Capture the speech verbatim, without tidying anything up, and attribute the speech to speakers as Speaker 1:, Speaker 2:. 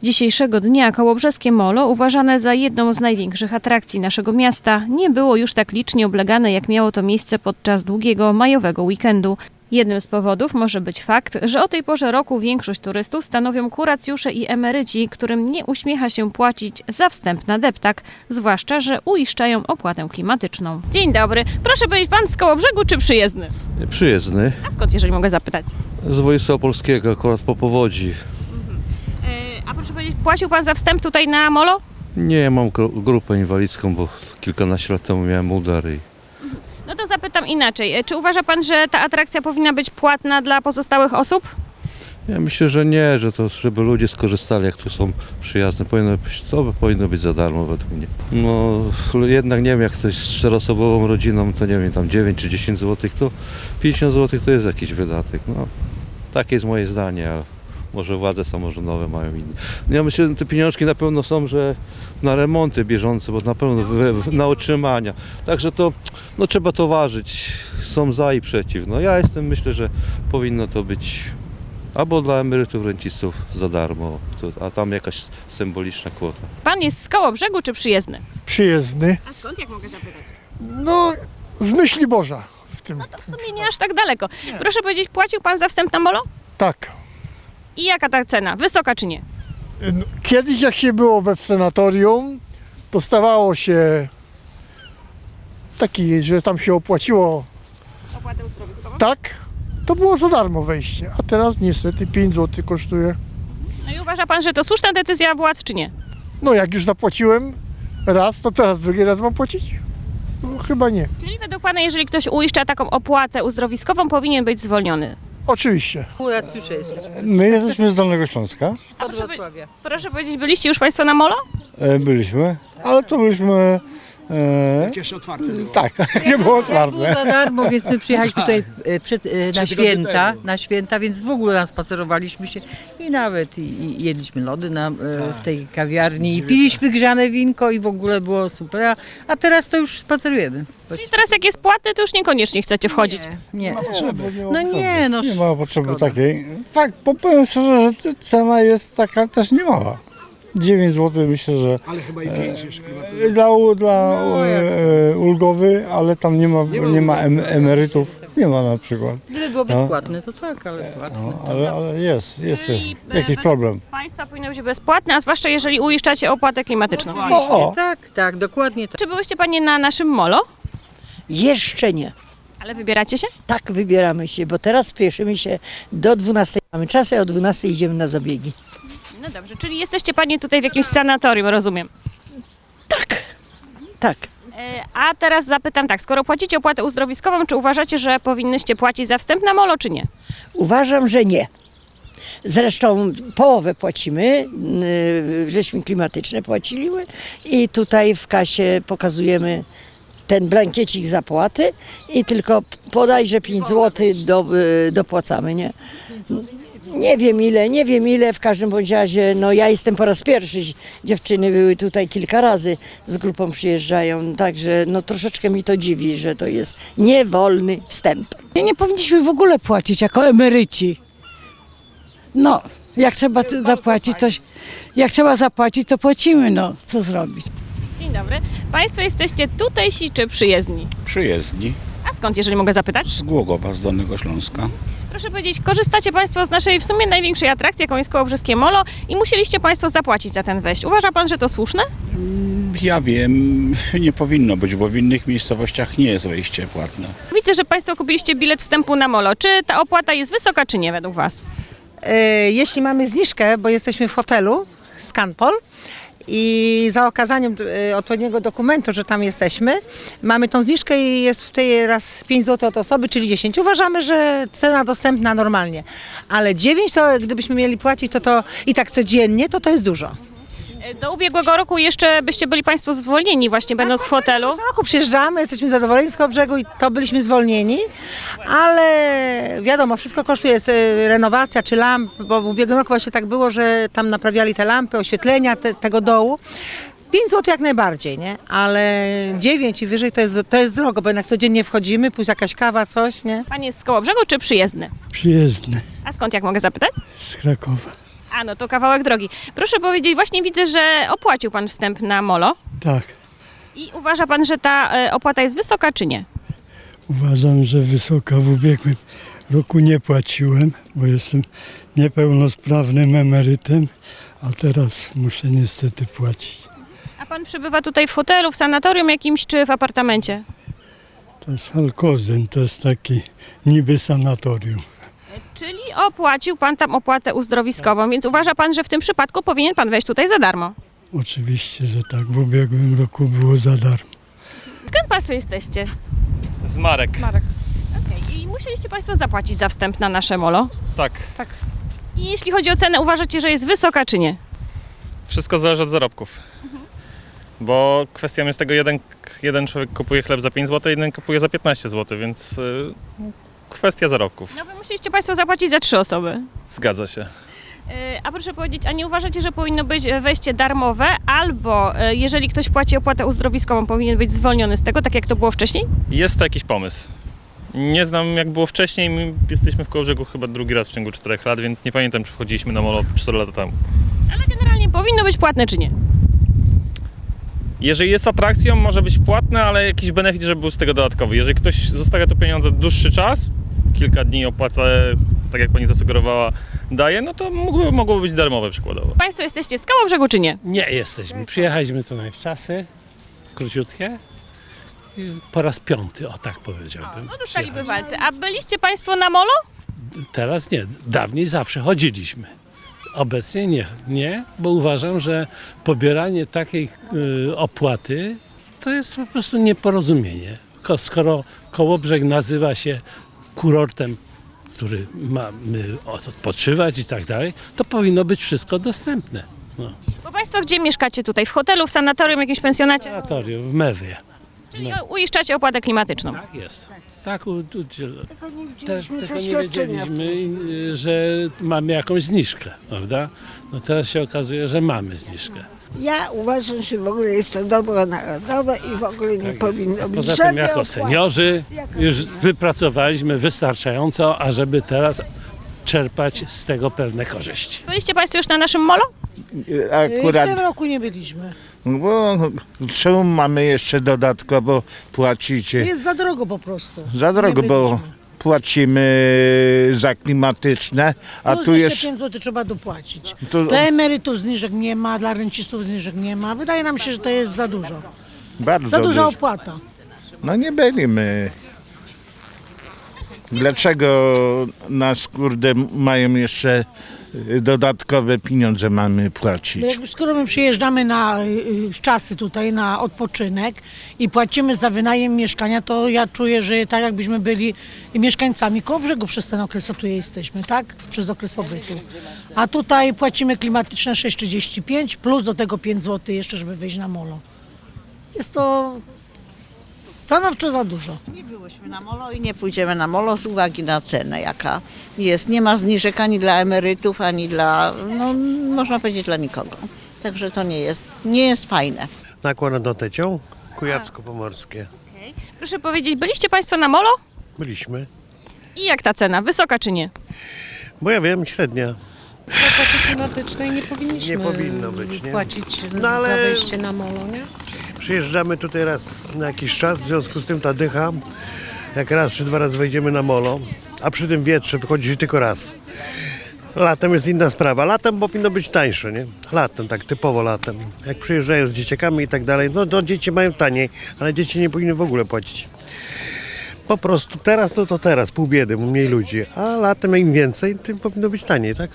Speaker 1: Dzisiejszego dnia Kołobrzeskie Molo, uważane za jedną z największych atrakcji naszego miasta, nie było już tak licznie oblegane, jak miało to miejsce podczas długiego majowego weekendu. Jednym z powodów może być fakt, że o tej porze roku większość turystów stanowią kuracjusze i emeryci, którym nie uśmiecha się płacić za wstęp na deptak, zwłaszcza że uiszczają opłatę klimatyczną. Dzień dobry. Proszę powiedzieć, pan z Kołobrzegu czy przyjezdny?
Speaker 2: Przyjezdny.
Speaker 1: A skąd, jeżeli mogę zapytać?
Speaker 2: Z województwa opolskiego, akurat po powodzi.
Speaker 1: Yy, a proszę powiedzieć, płacił pan za wstęp tutaj na Molo?
Speaker 2: Nie, mam gru- grupę inwalidzką, bo kilkanaście lat temu miałem udar i
Speaker 1: No to zapytam inaczej. Czy uważa pan, że ta atrakcja powinna być płatna dla pozostałych osób?
Speaker 2: ja myślę, że nie, że to, żeby ludzie skorzystali, jak tu są przyjazne, powinno być, to by powinno być za darmo według mnie. No jednak nie wiem, jak ktoś z czteroosobową rodziną, to nie wiem, tam dziewięć czy dziesięć złotych, to pięćdziesiąt złotych to jest jakiś wydatek. No, takie jest moje zdanie, ale może władze samorządowe mają inne. No ja myślę, że te pieniążki na pewno są, że na remonty bieżące, bo na pewno w, w, na utrzymania. Także to no, trzeba to ważyć. Są za i przeciw. No ja jestem, myślę, że powinno to być albo dla emerytów, rencistów za darmo, to, a tam jakaś symboliczna kwota.
Speaker 1: Pan jest z Kołobrzegu czy przyjezdny?
Speaker 3: Przyjezdny.
Speaker 1: A skąd, jak mogę zapytać?
Speaker 3: No, z myśli Boża w tym.
Speaker 1: No to w sumie nie aż tak daleko. Proszę powiedzieć, płacił pan za wstęp na Molo?
Speaker 3: Tak.
Speaker 1: I jaka ta cena? Wysoka czy nie?
Speaker 3: No, kiedyś jak się było we sanatorium, dostawało się taki, że tam się opłaciło
Speaker 1: Opłatę uzdrowiskową?
Speaker 3: tak, to było za darmo wejście, a teraz niestety pięć złotych kosztuje.
Speaker 1: No i uważa pan, że to słuszna decyzja władz czy nie?
Speaker 3: No jak już zapłaciłem raz, to teraz drugi raz mam płacić? No, chyba nie.
Speaker 1: Czyli według pana, jeżeli ktoś uiszcza taką opłatę uzdrowiskową, powinien być zwolniony?
Speaker 3: Oczywiście.
Speaker 4: Kuracjusze jesteśmy.
Speaker 5: My jesteśmy z Dolnego Śląska,
Speaker 1: A
Speaker 4: Od
Speaker 1: proszę,
Speaker 4: Wrocławia.
Speaker 1: proszę powiedzieć, byliście już państwo na Molo?
Speaker 5: e, byliśmy, ale to byliśmy... E,
Speaker 6: Jeszcze otwarte było.
Speaker 5: tak, nie było
Speaker 4: Było
Speaker 5: otwarte.
Speaker 4: za darmo, więc my przyjechaliśmy tutaj e, przed, e, na święta, na święta, więc w ogóle nam spacerowaliśmy się i nawet i, i jedliśmy lody na, e, w tej kawiarni i piliśmy grzane winko i w ogóle było super, a, a teraz to już spacerujemy.
Speaker 1: Czyli teraz jak jest płatny, to już niekoniecznie chcecie wchodzić.
Speaker 4: Nie, nie.
Speaker 6: Potrzeby.
Speaker 4: No nie, no
Speaker 5: Nie ma potrzeby
Speaker 4: szkoda.
Speaker 5: takiej. Tak, bo powiem szczerze, że c- cena jest taka też niemała. dziewięć złotych myślę, że
Speaker 6: Ale chyba i pięć jeszcze chyba.
Speaker 5: e, dla, dla
Speaker 4: No, jak-
Speaker 5: e, ulgowy, ale tam nie ma, nie ma em, emerytów, nie ma na przykład.
Speaker 4: Gdyby było
Speaker 5: No.
Speaker 4: bezpłatne, to tak, ale płatne.
Speaker 5: No, ale, ale jest, jest, jest
Speaker 1: Czyli, e,
Speaker 5: jakiś
Speaker 1: według
Speaker 5: problem.
Speaker 1: Państwa powinno być bezpłatne, a zwłaszcza jeżeli uiszczacie opłatę klimatyczną.
Speaker 5: O, o.
Speaker 4: Tak, tak, dokładnie tak.
Speaker 1: Czy byłyście panie na naszym Molo?
Speaker 7: Jeszcze nie.
Speaker 1: Ale wybieracie się?
Speaker 7: Tak wybieramy się, bo teraz spieszymy się do dwunastej. Mamy czas, a o dwunastej idziemy na zabiegi.
Speaker 1: No dobrze, czyli jesteście panie tutaj w jakimś sanatorium, rozumiem.
Speaker 7: Tak.
Speaker 1: E, A teraz zapytam tak, skoro płacicie opłatę uzdrowiskową, czy uważacie, że powinnyście płacić za wstęp na Molo, czy nie?
Speaker 7: Uważam, że nie. Zresztą połowę płacimy, yy, żeśmy klimatyczne płaciliśmy i tutaj w kasie pokazujemy ten blankiecik zapłaty i tylko podajże pięć złotych do, yy, dopłacamy, nie? Nie wiem ile, nie wiem ile, w każdym bądź razie, no ja jestem po raz pierwszy, dziewczyny były tutaj kilka razy, z grupą przyjeżdżają, także no troszeczkę mi to dziwi, że to jest niewolny wstęp.
Speaker 8: Nie, nie powinniśmy w ogóle płacić jako emeryci. No, jak trzeba c- zapłacić, to jak trzeba zapłacić, to płacimy, no, co zrobić.
Speaker 1: Dzień dobry. Państwo jesteście tutejsi czy przyjezdni?
Speaker 9: Przyjezdni
Speaker 1: A skąd, jeżeli mogę zapytać?
Speaker 9: z Głogowa, z Dolnego Śląska.
Speaker 1: Proszę powiedzieć, korzystacie państwo z naszej w sumie największej atrakcji, jaką jest Kołobrzeskie Molo i musieliście państwo zapłacić za ten wejść. Uważa pan, że to słuszne?
Speaker 9: Ja wiem, nie powinno być, bo w innych miejscowościach nie jest wejście płatne.
Speaker 1: Widzę, że państwo kupiliście bilet wstępu na Molo. Czy ta opłata jest wysoka, czy nie według was?
Speaker 10: E, Jeśli mamy zniżkę, bo jesteśmy w hotelu Scanpol i za okazaniem e, odpowiedniego dokumentu, że tam jesteśmy, mamy tą zniżkę i jest w tej raz pięć złotych od osoby, czyli dziesięć. Uważamy, że cena dostępna normalnie, ale dziewięć to gdybyśmy mieli płacić, to to i tak codziennie, to to jest dużo.
Speaker 1: Do ubiegłego roku jeszcze byście byli państwo zwolnieni właśnie będąc w hotelu.
Speaker 10: Co roku przyjeżdżamy, jesteśmy zadowoleni z Kołobrzegu i to byliśmy zwolnieni, ale wiadomo, wszystko kosztuje, jest e, renowacja czy lamp, bo w ubiegłym roku właśnie tak było, że tam naprawiali te lampy, oświetlenia te, tego dołu. pięć złotych jak najbardziej, nie? Ale dziewięć i wyżej to jest, to jest drogo, bo jednak codziennie wchodzimy, pójść jakaś kawa, coś, nie?
Speaker 1: Pan jest z Kołobrzegu czy przyjezdny?
Speaker 3: Przyjezdny
Speaker 1: A skąd, jak mogę zapytać?
Speaker 3: z Krakowa.
Speaker 1: A no to kawałek drogi. Proszę powiedzieć, właśnie widzę, że opłacił pan wstęp na molo.
Speaker 6: Tak,
Speaker 1: I uważa pan, że ta e, opłata jest wysoka, czy nie?
Speaker 6: uważam, że wysoka. W ubiegłym roku nie płaciłem, bo jestem niepełnosprawnym emerytem, a teraz muszę niestety płacić.
Speaker 1: A pan przebywa tutaj w hotelu, w sanatorium jakimś, czy w apartamencie?
Speaker 6: To jest Alkozyn, to jest taki niby sanatorium.
Speaker 1: Czyli opłacił pan tam opłatę uzdrowiskową, więc uważa pan, że w tym przypadku powinien pan wejść tutaj za darmo.
Speaker 6: Oczywiście, że tak. W ubiegłym roku było za darmo.
Speaker 1: Skąd państwo jesteście?
Speaker 11: Z Marek.
Speaker 1: Marek. Okej. I musieliście państwo zapłacić za wstęp na nasze molo.
Speaker 11: Tak.
Speaker 1: I jeśli chodzi o cenę, uważacie, że jest wysoka, czy nie?
Speaker 11: Wszystko zależy od zarobków. Bo kwestią jest tego, jeden, jeden człowiek kupuje chleb za pięć złotych, jeden kupuje za piętnaście złotych, więc y, kwestia zarobków.
Speaker 1: No wy musieliście państwo zapłacić za trzy osoby.
Speaker 11: Zgadza się.
Speaker 1: Yy, A proszę powiedzieć, a nie uważacie, że powinno być e, wejście darmowe, albo e, jeżeli ktoś płaci opłatę uzdrowiskową, powinien być zwolniony z tego, tak jak to było wcześniej?
Speaker 11: Jest to jakiś pomysł. Nie znam jak było wcześniej, my jesteśmy w Kołobrzegu chyba drugi raz w ciągu czterech lat, więc nie pamiętam, czy wchodziliśmy na molo cztery lata temu.
Speaker 1: Ale generalnie powinno być płatne, czy nie?
Speaker 11: Jeżeli jest atrakcją, może być płatne, ale jakiś benefit, żeby był z tego dodatkowy. Jeżeli ktoś zostawia tu pieniądze dłuższy czas, kilka dni opłaca, tak jak pani zasugerowała, daje, no to mógłby, mogłoby być darmowe przykładowo.
Speaker 1: Państwo jesteście z Kołobrzegu, czy nie?
Speaker 12: Nie jesteśmy. Przyjechaliśmy tu na wczasy, króciutkie. I po raz piąty, o tak powiedziałbym.
Speaker 1: No dostali bywalcy. A byliście państwo na molo?
Speaker 12: Teraz nie, dawniej zawsze chodziliśmy. Obecnie nie, nie, bo uważam, że pobieranie takiej y, opłaty to jest po prostu nieporozumienie. Ko- Skoro Kołobrzeg nazywa się kurortem, który mamy odpoczywać i tak dalej, to powinno być wszystko dostępne. No.
Speaker 1: Bo państwo gdzie mieszkacie tutaj? W hotelu, w sanatorium, jakimś pensjonacie?
Speaker 12: Sanatorium w Mewie.
Speaker 1: Czyli uiszczacie opłatę klimatyczną.
Speaker 12: Tak jest. Tak, u, u,
Speaker 7: Tylko nie
Speaker 12: Też,
Speaker 7: widzieliśmy
Speaker 12: tylko nie
Speaker 7: zaświadczenia.
Speaker 12: wiedzieliśmy, y, że mamy jakąś zniżkę, prawda? No teraz się okazuje, że mamy zniżkę.
Speaker 7: Ja uważam, że w ogóle jest to dobro narodowe i w ogóle nie powinno być
Speaker 12: Poza tym
Speaker 7: żadnej
Speaker 12: jako
Speaker 7: opłaty.
Speaker 12: seniorzy już wypracowaliśmy wystarczająco, ażeby teraz czerpać z tego pewne korzyści.
Speaker 1: Byliście państwo już na naszym molo?
Speaker 13: Akurat,
Speaker 4: W tym roku nie byliśmy.
Speaker 13: bo czemu mamy jeszcze dodatkowo płacić?
Speaker 4: Jest za drogo po prostu.
Speaker 13: Za drogo, bo płacimy za klimatyczne, a
Speaker 4: Plus
Speaker 13: tu
Speaker 4: jeszcze
Speaker 13: jest...
Speaker 4: pięć złotych trzeba dopłacić.
Speaker 13: To
Speaker 4: Dla emerytów zniżek nie ma, dla rencistów zniżek nie ma. Wydaje nam się, że to jest za dużo.
Speaker 13: bardzo
Speaker 4: Za duża
Speaker 13: dużo.
Speaker 4: opłata.
Speaker 13: No nie byliśmy. Dlaczego nas, kurde, mają jeszcze dodatkowe pieniądze mamy
Speaker 4: Bo
Speaker 13: płacić?
Speaker 4: jak, skoro my przyjeżdżamy na y, w czasy tutaj na odpoczynek i płacimy za wynajem mieszkania, to ja czuję, że tak jakbyśmy byli mieszkańcami Kołobrzegu przez ten okres, co tu jesteśmy, tak? Przez okres pobytu. A tutaj płacimy klimatyczne sześć trzydzieści pięć plus do tego pięć złotych jeszcze, żeby wejść na molo. Jest to stanowczo za dużo.
Speaker 14: Nie byłyśmy na molo i nie pójdziemy na molo z uwagi na cenę, jaka jest. Nie ma zniżek ani dla emerytów, ani dla, no można powiedzieć, dla nikogo. Także to nie jest, nie jest fajne.
Speaker 5: Nakład nad Tecią, Kujawsko-Pomorskie.
Speaker 1: Okay. Proszę powiedzieć, byliście państwo na molo?
Speaker 5: Byliśmy.
Speaker 1: I jak ta cena? Wysoka czy nie?
Speaker 5: Bo ja wiem, średnia.
Speaker 15: Opłaty klimatycznej nie powinniśmy
Speaker 5: Nie powinno być, nie?
Speaker 15: płacić
Speaker 5: No ale-
Speaker 15: za wejście na molo, nie?
Speaker 5: Przyjeżdżamy tutaj raz na jakiś czas, w związku z tym ta dycha, jak raz czy dwa razy wejdziemy na molo, a przy tym wietrze wychodzi się tylko raz. Latem jest inna sprawa. Latem powinno być tańsze, nie? Latem, tak typowo latem. Jak przyjeżdżają z dzieciakami i tak dalej, no to dzieci mają taniej, ale dzieci nie powinny w ogóle płacić. Po prostu teraz, no to teraz, pół biedy, mniej ludzi, a latem im więcej, tym powinno być taniej, tak?